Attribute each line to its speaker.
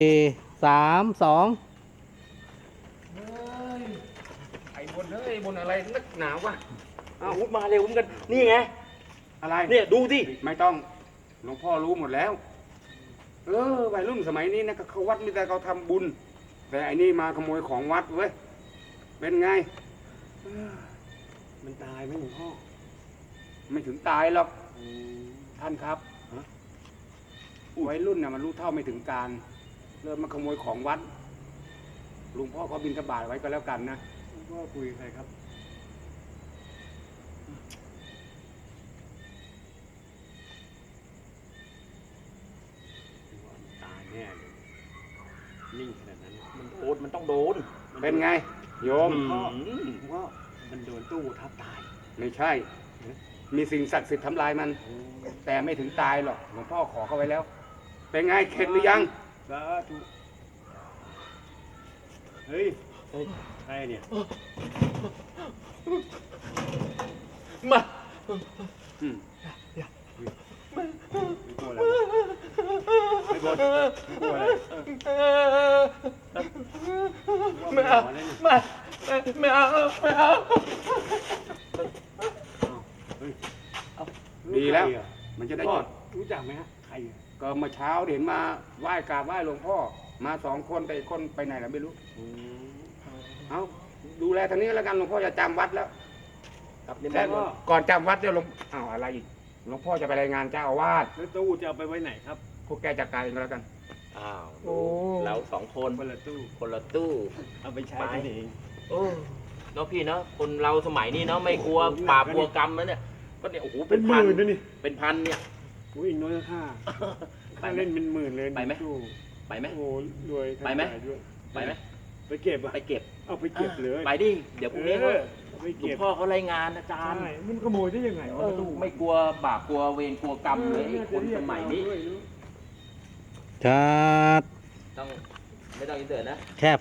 Speaker 1: สามสอง
Speaker 2: เฮ้ยไอ้บนเฮ้ยบนอะไรนักหนาวะ
Speaker 3: อ้าวมาเร็วเหมือนกันนี่ไง
Speaker 2: อะไร
Speaker 3: เนี่ยดูสิ
Speaker 2: ไม่ต้องหลวงพ่อรู้หมดแล้ววัยรุ่นสมัยนี้นะเขาวัดมีแต่เขาทำบุญ แต่อันนี้มาขโมยของวัดเว้ยเป็นไง
Speaker 3: มันตายไหมหลวงพ่อ
Speaker 2: ไม่ถึงตายหรอกท่านครับวัยรุ่นน่ะมันรู้เท่าไม่ถึงการเริ่มมาขโมยของวัดหลวงพ่อก็บิณฑบาตไว้ก็แล้วกันนะ
Speaker 3: หลวงพ่อคุยกับใครครับตายแน่เลยนิ่งขนาดนั้นมันต้องโดน
Speaker 2: เป็นไง โยม
Speaker 3: พ่อว่ามันโดนตู้ทับตาย
Speaker 2: ไม่ใช่ มีสิ่งศักดิ์สิทธิ์ทำลายมัน แต่ไม่ถึงตายหรอกหลวงพ่อขอเขาไว้แล้ว เป็นไงเข็ดหรือยัง
Speaker 3: สาธุเฮ้ยใครเนี่ย
Speaker 1: มา
Speaker 2: อืม
Speaker 3: ไม่กลัวอะไรไม่กลัวอะไร
Speaker 1: ไม่เอาไม่เอาไม่เอา
Speaker 2: ดีแล้ว มันจะได้
Speaker 3: พ่อ
Speaker 2: จด
Speaker 3: รู้จักไหมฮะใคร
Speaker 2: ก็เมื่อเช้าเห็นมาไหว้กราบไหว้หลวงพ่อ มาสองคนแต่อีกคนไปไหนล่ะไม่รู้ เอาดูแลทางนี้แล้วกันหลวงพ่อจะจำวัดแล้ว
Speaker 3: ครับเนี่ย
Speaker 2: แต่
Speaker 3: พ่อ
Speaker 2: ก่อนจำวัดเดี๋ยวหลวงอ้าวอะไรอีกหลวงพ่อจะไปรายงานเจ้าอาวาส
Speaker 3: แล้วตู้จะเอาไปไว้ไหนครับ
Speaker 2: พวกแกจัดการเองก็แล้วกัน
Speaker 4: อ้าว
Speaker 1: โอ้
Speaker 4: เราสองคน
Speaker 3: คนละตู้
Speaker 4: คนละตู้
Speaker 3: เอาไปใช้กันเอง
Speaker 4: โอ้เนาะพี่เนาะคนเราสมัยนี้เนาะไม่กลัวบาปกลัวกรรมแล้วเนี่ยก็เนี่ยโอ้โห
Speaker 3: เป็
Speaker 4: เป็น น
Speaker 3: ห
Speaker 4: พัน
Speaker 3: มื่นนะนี่
Speaker 4: เป็นพันเนี่ย
Speaker 3: อุ้ยอีกน้อยค่า
Speaker 4: ไป
Speaker 3: ค่า
Speaker 4: ไหม
Speaker 3: เล่นเป็นหมื่นเลย
Speaker 4: ไปไหม
Speaker 3: ตู้
Speaker 4: ไปไหม
Speaker 3: โอ้โหรวย
Speaker 4: ไปไหม
Speaker 3: ขายด้วย
Speaker 4: ไปไหม
Speaker 3: ไปเก็บอ่ะ
Speaker 4: ไปเก็บ
Speaker 3: เอาไปเก็บเลย
Speaker 4: ไปดิเดี๋ยวพรุ่งนี้เขา
Speaker 3: เอาไป
Speaker 4: หลวง
Speaker 3: เก็บ
Speaker 4: พ่อเขารายงานอาจารย์
Speaker 3: ใช่มันขโมยได้ยังไงวะตู้
Speaker 4: ไม่กลัวบาปกลัวเวรกลัวกรรมเลยไอ้คนสมัยนี้
Speaker 1: ชัด
Speaker 4: ต้องไม่ต้องอินเตอร์นะ
Speaker 1: แค่